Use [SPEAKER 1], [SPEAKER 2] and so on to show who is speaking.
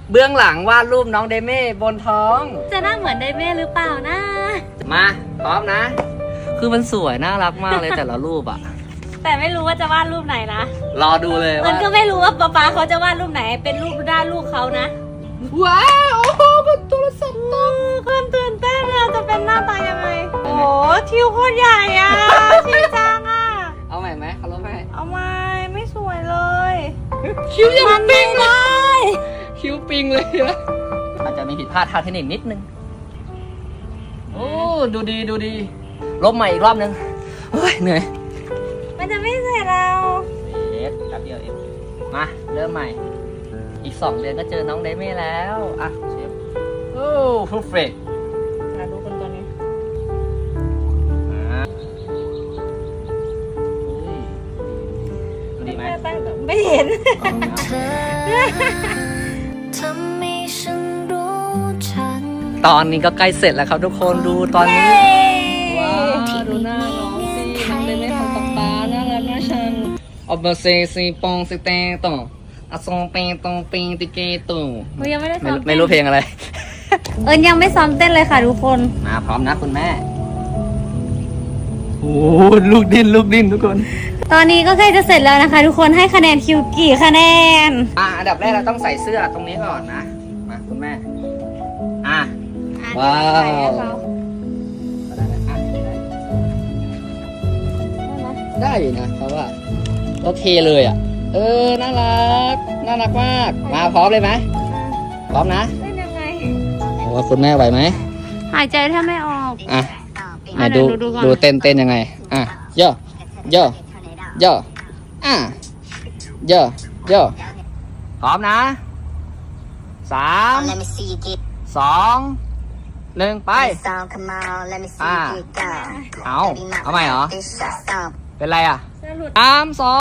[SPEAKER 1] เบื้องหลังวาดรูปน้องเดเม่บนท้อง
[SPEAKER 2] จะหน้าเหมือนไดเม่หรือเปล่านะ
[SPEAKER 1] มาพร้อมนะ คือมันสวยน่ารักมากเลยแต่ละรูปอ่ะ
[SPEAKER 2] แต่ไม่รู้ว่าจะวาดรูปไหนนะ
[SPEAKER 1] รอดูเลย
[SPEAKER 2] มั
[SPEAKER 1] ว่าน
[SPEAKER 2] ก็ไม่รู้ว่าป๊าเขาจะวาดรูปไหนเป็นรูปด้านลูกเขานะ
[SPEAKER 1] ว้าวโอ้โหมันโทรศัพท์ตก
[SPEAKER 2] คนตื่นเต้นอะจะเป็นหน้าตายังไงโอ้ทิวโคตรใหญ่อะชินจังอะ
[SPEAKER 1] เอาใหม่ไหมเขาลบให้
[SPEAKER 2] เอาไม่สวยเลย
[SPEAKER 1] คิ้วยังปิง
[SPEAKER 2] ได้
[SPEAKER 1] คิ้วปิงเลยนะอาจจะมีผิดพลาดทางเทคนิคนิดนึงโอ้ดูดีดูดีลบใหม่อีกรอบนึงเฮ้ยเหนื่อย
[SPEAKER 2] มันจะไม่เสร็จเรา
[SPEAKER 1] เอ็ดแป๊บเดียวเองมาเริ่มใหม่อีก2 เดือนก็เจอน้องเดเม่แล้วอ่ะเชฟโอ้เพอร์เฟกต์
[SPEAKER 2] เราดูคนตัวนี้
[SPEAKER 1] ดูดีไหม
[SPEAKER 2] ไม่เห็น
[SPEAKER 1] ตอนนี้ก็ใกล้เสร็จแล้วครับทุกคนดูตอนนี้ว้าวดูหน้าน้องสิน้องเดเม่ของป๊าน่ารักน่าชังออกมาเซซีปองซิเตต่ออะซองเปตองปิงติเกตุ
[SPEAKER 2] ยังไม่ได้ซ้อม
[SPEAKER 1] ไม่รู้เพลงอะไร
[SPEAKER 2] ยังไม่ซ้อมเต้นเลยค่ะทุกคน
[SPEAKER 1] มาพร้อมนะคุณแม่โอ้ลูกดิ้นทุกคน
[SPEAKER 2] ตอนนี้ก็ใกล้จะเสร็จแล้วนะคะ ทุกคนให้คะแนนคิวกี่คะแนน
[SPEAKER 1] อันดับแรกเราต้องใส่เสื้อตรงนี้ก่อนนะมาคุณแม่ว้าวได้อยู่นะเพราะว่าโอเคเลยอ่ะน่ารักมากมาพร้อมเลยไหมพร้อมนะ
[SPEAKER 2] เต้นยังไง
[SPEAKER 1] ว่าคุณแม่ไหวไหม
[SPEAKER 2] หายใจแทบไม่ออก
[SPEAKER 1] ไหนดู
[SPEAKER 2] ก่อน
[SPEAKER 1] ดูเต้นยังไงย่อย่พร้อมนะ3 2 1ไปเอาใหม่เหรอเป็นไรอ่ะ3 2